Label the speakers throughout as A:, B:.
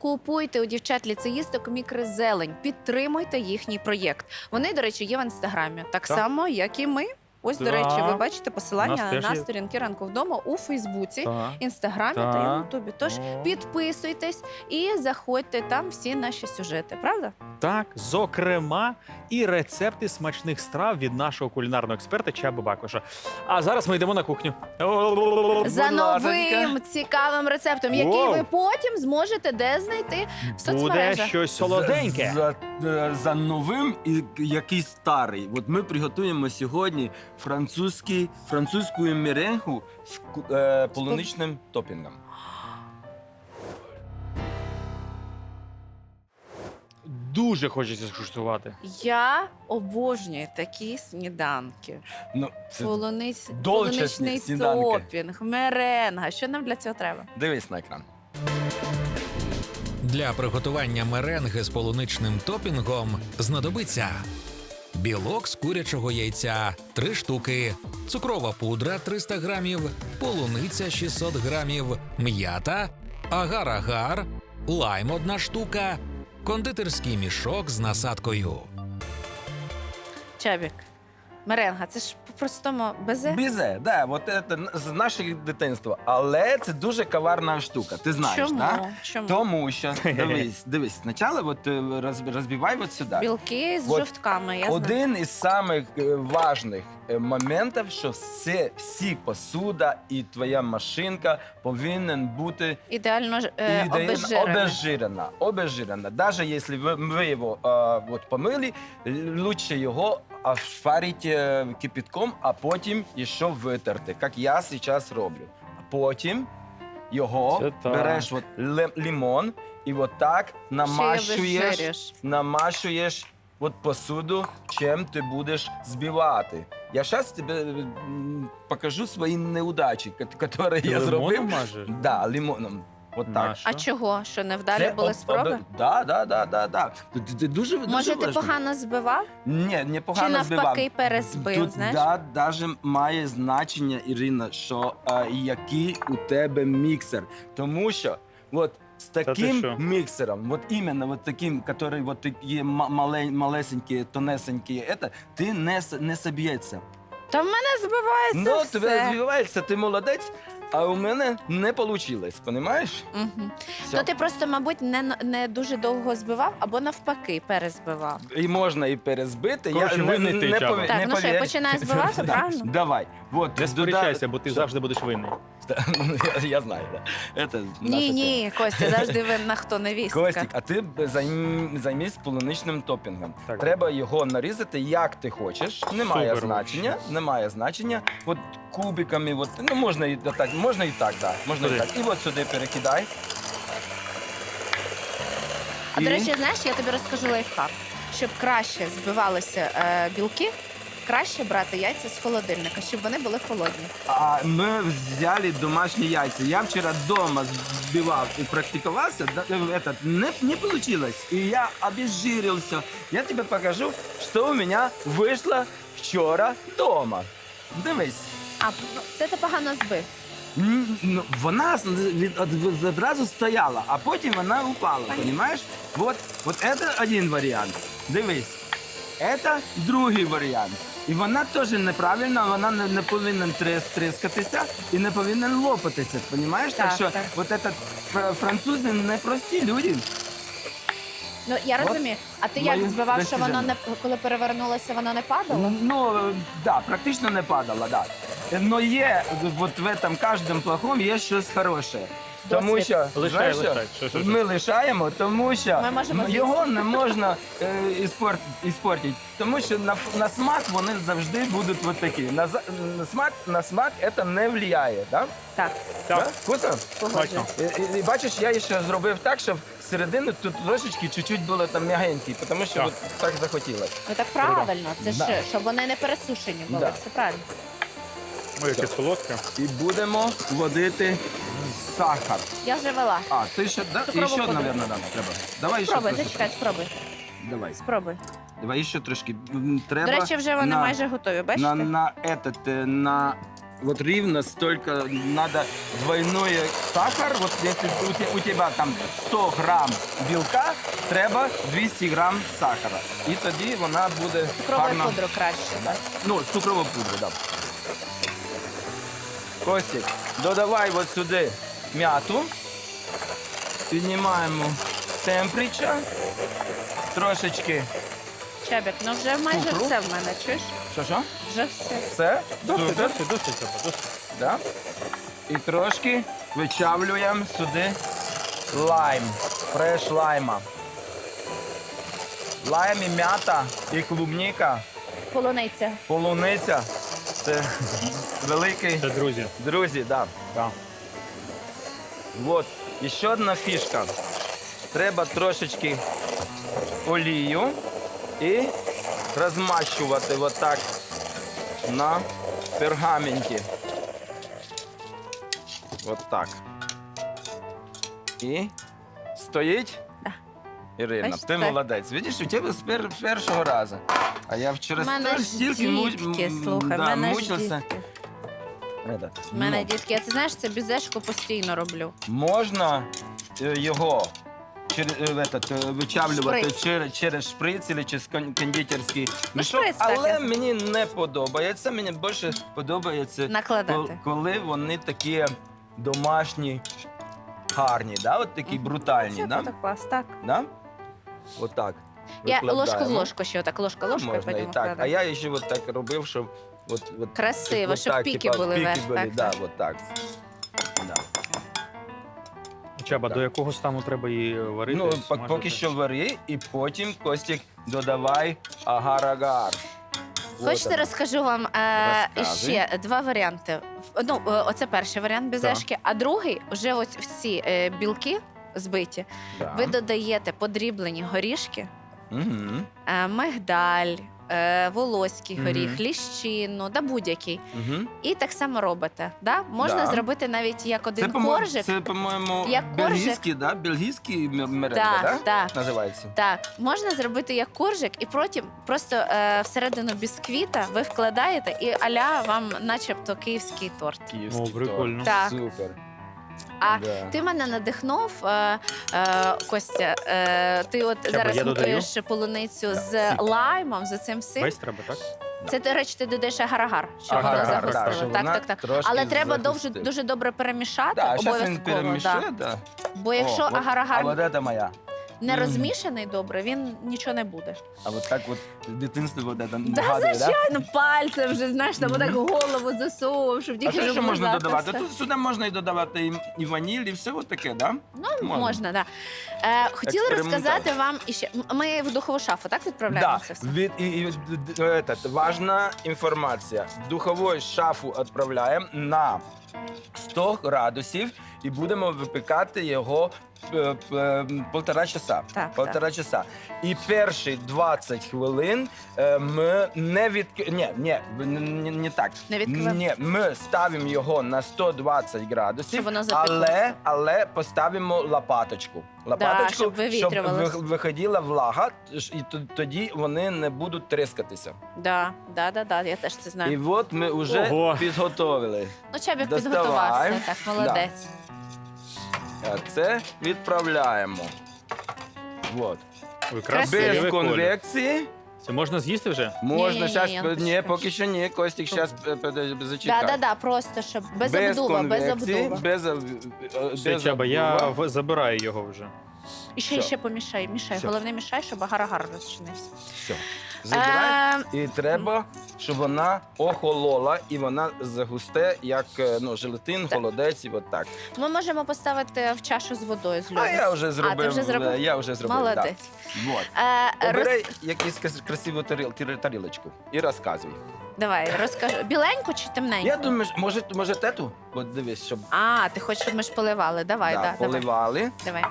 A: Купуйте у дівчат-ліцеїсток мікрозелень, підтримуйте їхній проєкт. Вони, до речі, є в Інстаграмі, так само, як і ми. Ось, до речі, ви бачите посилання на сторінки «Ранку вдома» у Фейсбуці, Інстаграмі та Ютубі. Тож підписуйтесь і заходьте, там всі наші сюжети, правда?
B: Так, зокрема, і рецепти смачних страв від нашого кулінарного експерта Чаби Бакоша. А зараз ми йдемо на кухню.
A: За новим цікавим рецептом, який ви потім зможете де знайти в соцмережах.
B: Буде щось солоденьке.
C: За новим і який старий. От ми приготуємо сьогодні французьку меренгу з полуничним топінгом.
B: Дуже хочеться скуштувати.
A: Я обожнюю такі сніданки.
C: Ну, це долчасні
A: Полуничний
C: сніданки.
A: топінг, меренга. Що нам для цього треба?
C: Дивись на екран.
D: Для приготування меренги з полуничним топінгом знадобиться білок з курячого яйця – 3 штуки, цукрова пудра – 300 грамів, полуниця – 600 грамів, м'ята, агар-агар, лайм – 1 штука, кондитерський мішок з насадкою.
A: Чабік, меренга, це ж по-простому безе?
C: Бізе, да, от це з нашого дитинства. Але це дуже коварна штука, ти знаєш,
A: Чому?
C: так?
A: Чому?
C: Тому що, дивись, спочатку от, розбивай от сюди.
A: Білки з
C: От
A: жовтками, я знаю.
C: Один із самих важних моментів, що всі посуда і твоя машинка повинен бути
A: Ідеально
C: обезжирена. Обезжирена. Навіть якщо ви його от помили, краще його шварити кипятком, а потім ще витерти, як я зараз роблю. А потім його береш от лимон і от так намащуєш от посуду, чим ти будеш збивати. Я зараз тобі покажу свої неудачі, які я зробив.
B: Лимоном мажеш?
C: Да, лимоном. От так.
A: А чого? Що невдалі були спроби?
C: Да. Ти дуже
A: Може, ти погано збивав?
C: Ні, не
A: Чи
C: погано збивав.
A: навпаки перезбив,
C: Тут
A: знаєш?
C: навіть має значення, Ірина, що який у тебе міксер. Тому що от з таким міксером, от іменно от таким, який от є малесенький, тонесенький, ти не соб'ється.
A: Та в мене збивається все.
C: Тебе збивається, ти молодець, а у мене не вийшло, розумієш?
A: Угу. Ну ти просто, мабуть, не дуже довго збивав, або навпаки перезбивав.
C: І можна і перезбити.
B: Коротше, винний ти, Чаба.
A: Так, ну що, я починаю збивати, правильно?
C: Давай. Вот,
B: Не сперечайся, бо ти завжди будеш винний.
C: Я знаю, да.
A: Ні, Костя, завжди винна хто невістка.
C: Костік, а ти займись полуничним топінгом.
B: Так.
C: Треба його нарізати, як ти хочеш. Немає
B: Супер.
C: значення. От кубиками, от, ну можна і так, да. Можна і так. І от сюди перекидай.
A: А до речі, знаєш, я тобі розкажу лайфхак. Щоб краще збивалися білки, краще брати яйця з холодильника, щоб вони були холодні.
C: А ми взяли домашні яйця. Я вчора вдома збивав і практикувався, не вийшло. І я обезжирився. Я тобі покажу, що у мене вийшло вчора вдома. Дивись.
A: А, це ти погано збив.
C: Вона одразу стояла, а потім вона упала, розумієш? Вот це один варіант. Дивись, це другий варіант. І вона теж неправильна, вона не повинна тріскатися і не повинна лопатися, розумієш? Так що от французи не прості люди.
A: Ну, я розумію. А ти як збивав, що воно, коли перевернулося, воно не падало?
C: Ну, да, практично не падало, да. Но є, от в этом кожному плохому є щось хороше. Тому що
B: Лишай.
C: ми лишаємо, тому що його не можна іспортити. Тому що на смак вони завжди будуть от такі. На смак це не впливає, так?
A: Так.
C: Так. Вкусно?
B: Смачно.
C: І бачиш, я ще зробив так, щоб середину тут трошечки чуть-чуть було там м'ягенький, тому що от так захотілося.
A: Ну так правильно, це ж, щоб вони не пересушені були, все правильно.
B: Ой, яке солодке.
C: І будемо вводити сахар.
A: Я вже вела.
C: А, ти ще, да? І ще, мабуть, треба. Давай ще
A: Спробуй,
C: трошки.
A: зачекай, спробуй.
C: Давай.
A: Спробуй.
C: Давай ще трошки. Треба
A: До речі, вже вони майже готові, бачите?
C: на вот ровно столько надо двойной сахар. Вот если у тебя там 100 грам білка, треба 200 грам сахара. І тоді вона буде
A: Цукровою
C: гарно.
A: пудру краще.
C: Да. Ну, цукрову пудру, так. Да. Костік, додавай от сюди м'яту. Піднімаємо температуру. Трошечки.
A: Чабік, ну вже майже
C: Цукру.
A: все в мене, чуєш?
C: Що?
A: Вже все.
C: Все?
B: Досить,
C: Супер.
B: досить.
C: Да? І трошки вичавлюємо сюди лайм, фреш лайма. Лайм і м'ята, і клубніка,
A: Полуниця.
C: полуниця. Це великий.
B: Це друзі.
C: Друзі, да.
B: Да.
C: Вот, і ще одна фішка. Треба трошечки олію і розмащувати отак на пергаменті. От так. І стоїть.
A: Да.
C: Ірина,
A: Бачите,
C: ти
A: так.
C: молодець. Видиш, у тебе з першого разу. А я вчора
A: У мене ж
C: стільки
A: дітки, слухай, в
C: да,
A: мене ж
C: мучився.
A: дітки.
C: Это,
A: У мене
C: ну,
A: дітки, я це знаєш, це бізешку постійно роблю.
C: Можна його вичавлювати
A: Шприц.
C: через шприц або через кондитерський мішок,
A: шприц так,
C: але
A: я
C: мені не подобається. Мені більше подобається,
A: Накладати.
C: коли вони такі домашні, гарні, да? От такі брутальні.
A: Це
C: Да?
A: так клас, так.
C: Да? Отак.
A: Я ложку в
C: викладаємо.
A: ложку ще отак, ложка, і
C: Можна і
A: потім
C: так. А
A: вкладаю.
C: я ще от так робив, щоб
A: Красиво, щоб
C: так,
A: піки
C: типа,
A: були
C: піки
A: вверх,
C: були,
A: так,
C: да,
A: так.
C: от так. Да.
B: Чаба,
C: Так.
B: до якого стану треба її варити?
C: Ну,
B: смажити?
C: поки що вари, і потім, Костік, додавай агар-агар.
A: Хочете, розкажу вам
C: Розказуй.
A: ще два варіанти. Ну, оце перший варіант безешки, а другий, вже ось в ці білки збиті, ви додаєте подріблені горішки, мигдаль, волоський
B: Мгм.
A: горіх, ліщину, да будь-який.
C: Угу.
A: І так само робите. Да? Можна
C: Да.
A: зробити навіть як один коржик.
C: Це, по-моєму,
A: Як коржик.
C: бельгійський, да? Бельгійський меренга,
A: Так,
C: да?
A: так.
C: Називається.
A: Так, можна зробити як коржик, і потім просто всередину бісквіта ви вкладаєте, і аля вам начебто київський торт.
C: Київський
B: О, прикольно.
C: торт.
A: Так.
C: Супер.
A: А
C: Да.
A: ти мене надихнув, Костя. Ти от
B: я
A: зараз
B: додаю?
A: готуєш полуницю з
C: Сік.
A: лаймом, з цим всім.
B: Весь треба, так?
A: Це, до речі, ти додаєш агар-агар, щоб воно
B: Агар-агар,
A: загустило.
C: щоб
A: Так,
C: вона
A: так, так.
C: трошки
A: Але треба
C: загустить.
A: дуже добре перемішати,
C: Да, зараз він
A: обов'язково.
C: перемішає,
A: Да.
C: да.
A: Бо якщо
C: О, от-
A: агар-агар
C: А от це моя.
A: не
C: Мгм.
A: розмішаний добре, він нічого не буде.
C: А от так от дитинство вот это
A: Да,
C: нагадує, да?
A: звичайно, пальцем вже, знаєш, там отак голову засовував, щоб
C: А
A: тільки
C: що ще можна
A: розмазати
C: додавати?
A: все.
C: Тут сюди можна і додавати і ваніль, і все от таке, да?
A: Ну, можна, так. Да. Хотіла
C: Експериментаж.
A: розказати вам іще. Ми в духову шафу, так відправляємо
C: Да,
A: це все?
C: важна інформація. В духову шафу відправляємо на 100 градусів і будемо випікати його півтора часа.
A: Так,
C: Півтора часа. І перші 20 хвилин ми не так.
A: Не відкриваємо?
C: Ні, ми ставимо його на 120 градусів,
A: Щоб воно запеклося.
C: але поставимо лопаточку.
A: щоб вивітрювалося.
C: Виходила влага, і тоді вони не будуть тріскатися.
A: Да, я теж це
C: І
A: знаю.
C: от ми вже
B: Ого.
C: підготовили.
A: Ну, Чабік
C: доставай.
A: підготувався, так, молодець.
C: А це відправляємо. От.
B: Ой,
A: Красиво.
C: Без
B: красивий колір.
C: конвекції.
B: Це можна з'їсти вже?
C: Можна
A: Ні,
C: зараз.
A: я
C: Ні,
A: почекаю.
C: поки що ні. Костік, зараз зачекай.
A: Да, просто щоб без обдува, без обдува.
B: Все, Чаба, я забираю його вже.
A: І ще
C: Все.
A: помішай, мішай.
C: Все.
A: Головне, мішай, щоб агар-агар розчинився.
C: Все. Забирай.
A: Е,
C: І треба, щоб вона охолола, і вона загусте, як желатин,
A: Так.
C: холодець, і от так.
A: Ми можемо поставити в чашу з водою з льоду.
C: А я вже зробив.
A: ти вже зробив?
C: Я вже зробив,
A: Молодець.
C: Да. Вот. Обирай якусь красиву тарілочку і розказуй.
A: Давай, розкажи. Біленьку чи темненьку?
C: Я думаю, може тету? От дивись, щоб
A: Ти хочеш, щоб ми ж поливали? Давай, давай.
C: поливали.
A: Давай.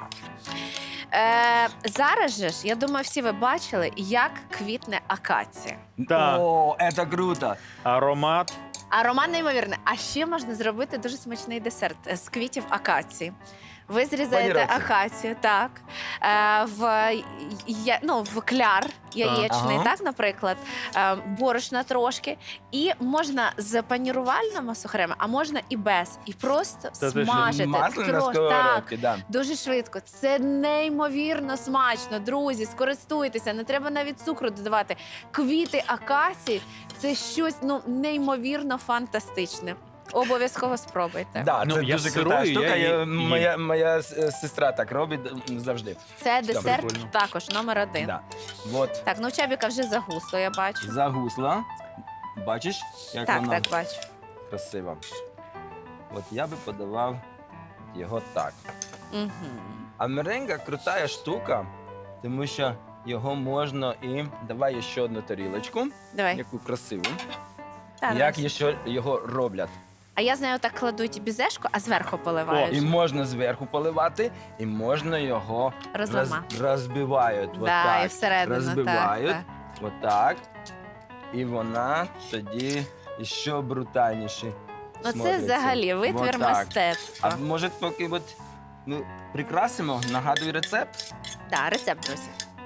A: Зараз же ж, я думаю, всі ви бачили, як квітне акація.
B: Так.
C: О, це круто.
B: Аромат.
A: Аромат неймовірний. А ще можна зробити дуже смачний десерт з квітів акації. Ви зрізаєте
C: Пані Раці.
A: акацію, так. в кляр яєчний,
C: Ага.
A: так, наприклад, борошна трошки. І можна з панірувальними сухарями, а можна і без. І просто
B: Це те, що
A: смажити.
C: Масло на
A: Так,
C: сковородці, да.
A: дуже швидко. Це неймовірно смачно. Друзі, скористуйтеся, не треба навіть цукру додавати. Квіти акації – це щось неймовірно фантастичне. Обов'язково спробуйте.
C: Да,
B: Ну,
C: це
B: я
C: дуже
B: сирую,
C: крута штука.
B: я їм.
C: Моя сестра так робить завжди.
A: Це десерт
B: прикольно.
A: також номер 1.
C: Да. Вот,
A: Так, ну у Чабіка вже загусло, я бачу.
C: загусла. Бачиш, як
A: Так,
C: вона
A: так, бачу.
C: красива. От я би подавав його так.
A: Угу.
C: А меренга крута штука, тому що його можна і... Давай ще одну тарілочку,
A: Давай.
C: яку красиву.
A: Та,
C: Як
A: давай.
C: ще його роблять.
A: А я знаю, так кладуть бізешку, а зверху
C: І
A: поливають.
C: можна зверху поливати, і можна його розбивають. От
A: Да,
C: так.
A: і всередину,
C: розбивають.
A: так.
C: Отак. І вона тоді ще брутальніше.
A: Ну це
C: смотриться.
A: взагалі витвір
C: Отак.
A: мистецтва.
C: А може поки от, прикрасимо, нагадую рецепт?
A: Так, рецепт, друзі.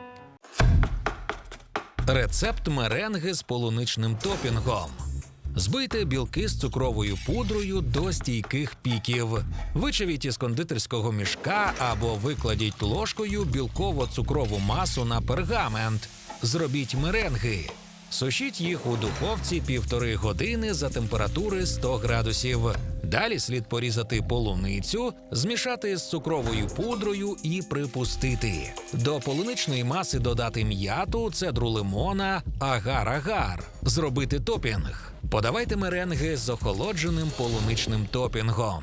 D: Рецепт меренги з полуничним топінгом. Збийте білки з цукровою пудрою до стійких піків. Вичавіть із кондитерського мішка або викладіть ложкою білково-цукрову масу на пергамент. Зробіть меренги. Сушіть їх у духовці 1,5 години за температури 100 градусів. Далі слід порізати полуницю, змішати з цукровою пудрою і припустити. До полуничної маси додати м'яту, цедру лимона, агар-агар. Зробити топінг. Подавайте меренги з охолодженим полуничним топінгом.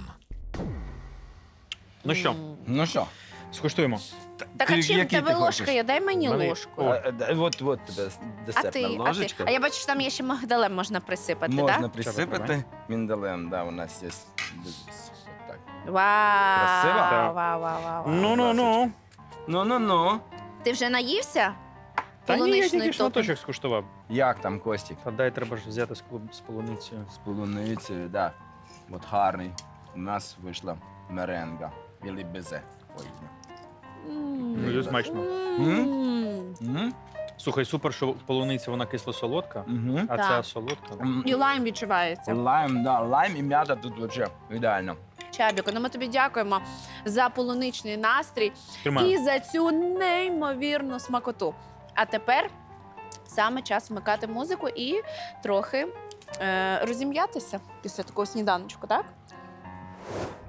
B: Ну що,
C: Ну що?
B: скуштуємо.
A: Так, а чим в
C: який
A: тебе
C: ти
A: ложка
C: хочеш?
A: є? Дай мені
B: Мене-
A: ложку.
B: О.
C: От тебе
A: А
C: десертна
A: ти,
C: ложечка.
A: А я бачу, що там є ще мигдалем можна присипати,
C: Можна
A: так?
C: присипати міндалем, да, у нас є. Так.
A: Вау,
C: Красиво?
A: вау, вау, вау, вау.
B: Ну.
C: Ну.
A: Ти вже наївся?
B: Та ні, я
A: Полуничний
B: тільки
A: топінг.
B: шматочок скуштував.
C: Як там, Костік?
B: Та дай треба ж взяти з полуницею.
C: З полуницею, да. От гарний. У нас вийшла меренга. Білий безе. Ой.
A: М.
B: Дуже смачно.
C: М?
B: Слухай, супер, що полуниця вона кисло-солодка,
C: Мгм.
B: а
A: Так.
B: ця солодка.
A: І лайм відчувається.
C: Лайм, да, лайм і м'ята тут взагалі ідеально.
A: Чабіко, ну ми тобі дякуємо за полуничний настрій
B: Тримаю.
A: і за цю неймовірну смакоту. А тепер саме час вмикати музику і трохи розім'ятися після такого сніданочку, так?